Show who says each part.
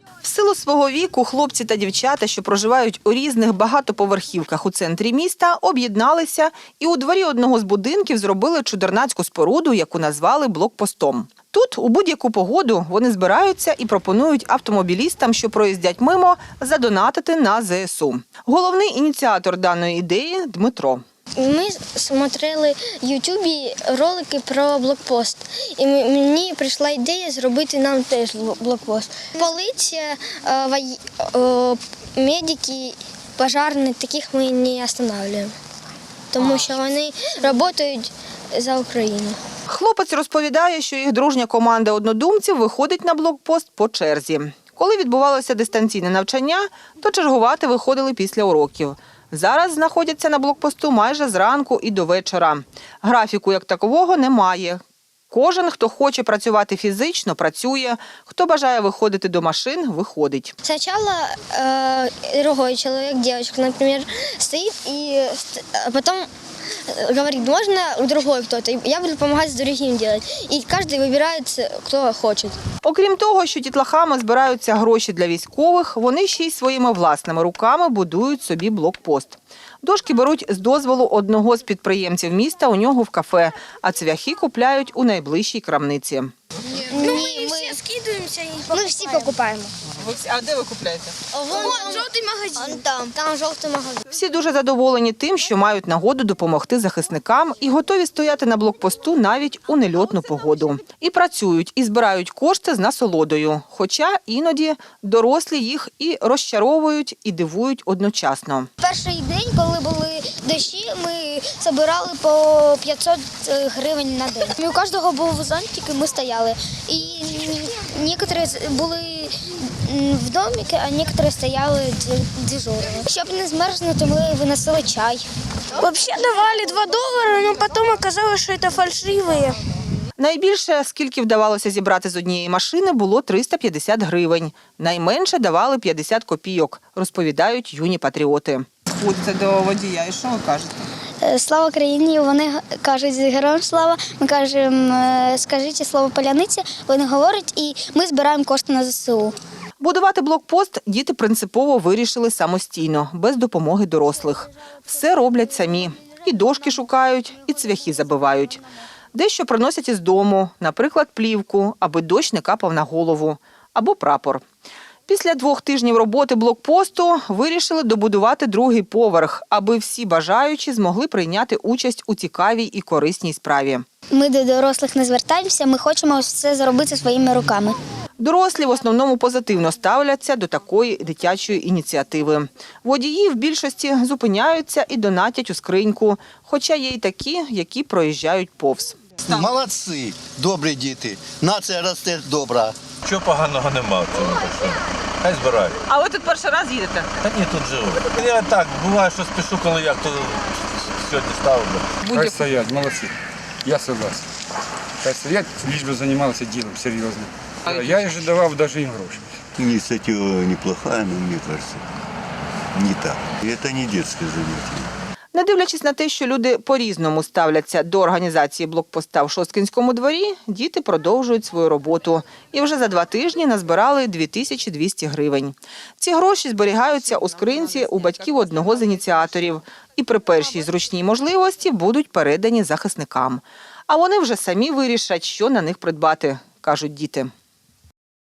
Speaker 1: В силу свого віку хлопці та дівчата, що проживають у різних багатоповерхівках у центрі міста, об'єдналися і у дворі одного з будинків зробили чудернацьку споруду, яку назвали блокпостом. Тут у будь-яку погоду вони збираються і пропонують автомобілістам, що проїздять мимо, задонатити на ЗСУ. Головний ініціатор даної ідеї – Дмитро.
Speaker 2: Ми смотрели в Ютубі ролики про блокпост. І мені прийшла ідея зробити нам теж блокпост. Поліція, медики, пожежні, таких ми не останавливаємо. Тому що вони працюють за Україну.
Speaker 1: Хлопець розповідає, що їх дружня команда однодумців виходить на блокпост по черзі. Коли відбувалося дистанційне навчання, то чергувати виходили після уроків. Зараз знаходяться на блокпосту майже зранку і до вечора. Графіку як такового немає. Кожен, хто хоче працювати фізично, працює. Хто бажає виходити до машин, виходить.
Speaker 2: Спочатку другой чоловік, дівчинка, наприклад, стоїть і потім говорит, можно другой кто-то. Я буду помогать с другим делать. И каждый выбирает, кто хочет.
Speaker 1: Окрім того, що дітлахами збираються гроші для військових, вони ще й своїми власними руками будують собі блокпост. Дошки беруть з дозволу одного з підприємців міста у нього в кафе, а цвяхи купляють у найближчій крамниці.
Speaker 2: Ми всі скидуємося і покупаємо. Ми всі покупаємо.
Speaker 1: А де ви купляєте?
Speaker 2: Вон жовтий магазин. Там жовтий магазин.
Speaker 1: Всі дуже задоволені тим, що мають нагоду допомогти захисникам і готові стояти на блокпосту навіть у нельотну погоду. І працюють, і збирають кошти з насолодою. Хоча іноді дорослі їх і розчаровують, і дивують одночасно.
Speaker 2: Перший день, коли були дощі, ми збирали по 500 гривень на день. У кожного був зонтик, і ми стояли. І некоторі були в домике, а некоторые стояли дежурили. Щоб не змерзнути, ми виносили чай.
Speaker 3: Взагалі давали $2, але потім оказалось, що це фальшиві.
Speaker 1: Найбільше, скільки вдавалося зібрати з однієї машини, було 350 гривень. Найменше давали 50 копійок, розповідають юні патріоти. Ходите до водія, і що ви кажете?
Speaker 2: Слава країні, вони кажуть героям слава, ми кажемо скажіть слово паляниці, вони говорять і ми збираємо кошти на ЗСУ.
Speaker 1: Будувати блокпост діти принципово вирішили самостійно, без допомоги дорослих. Все роблять самі. І дошки шукають, і цвяхи забивають. Дещо приносять із дому, наприклад, плівку, аби дощ не капав на голову, або прапор. Після 2 тижнів роботи блокпосту вирішили добудувати другий поверх, аби всі бажаючі змогли прийняти участь у цікавій і корисній справі.
Speaker 2: Ми до дорослих не звертаємося, ми хочемо все зробити своїми руками.
Speaker 1: Дорослі в основному позитивно ставляться до такої дитячої ініціативи. Водії в більшості зупиняються і донатять у скриньку, хоча є й такі, які проїжджають повз.
Speaker 4: Молодці, добрі діти, нація росте добра.
Speaker 5: Чого поганого нема в цьому? Хай збирають.
Speaker 1: А ви тут перший раз їдете?
Speaker 5: Та ні, тут живу. Я так, буває, що спішу, коли як то сьогодні ставлю.
Speaker 6: Хай стоять, молодці. Я согласен. Хай стоять, лишь бы займалися ділом, серйозно. Я вже давав навіть їм гроші.
Speaker 4: Инициатива неплохая, но мне кажется, не так. Это не детское занятие.
Speaker 1: Не дивлячись на те, що люди по-різному ставляться до організації блокпоста в Шосткинському дворі, діти продовжують свою роботу. І вже за 2 тижні назбирали 2200 гривень. Ці гроші зберігаються у скринці у батьків одного з ініціаторів. І при першій зручній можливості будуть передані захисникам. А вони вже самі вирішать, що на них придбати, кажуть діти.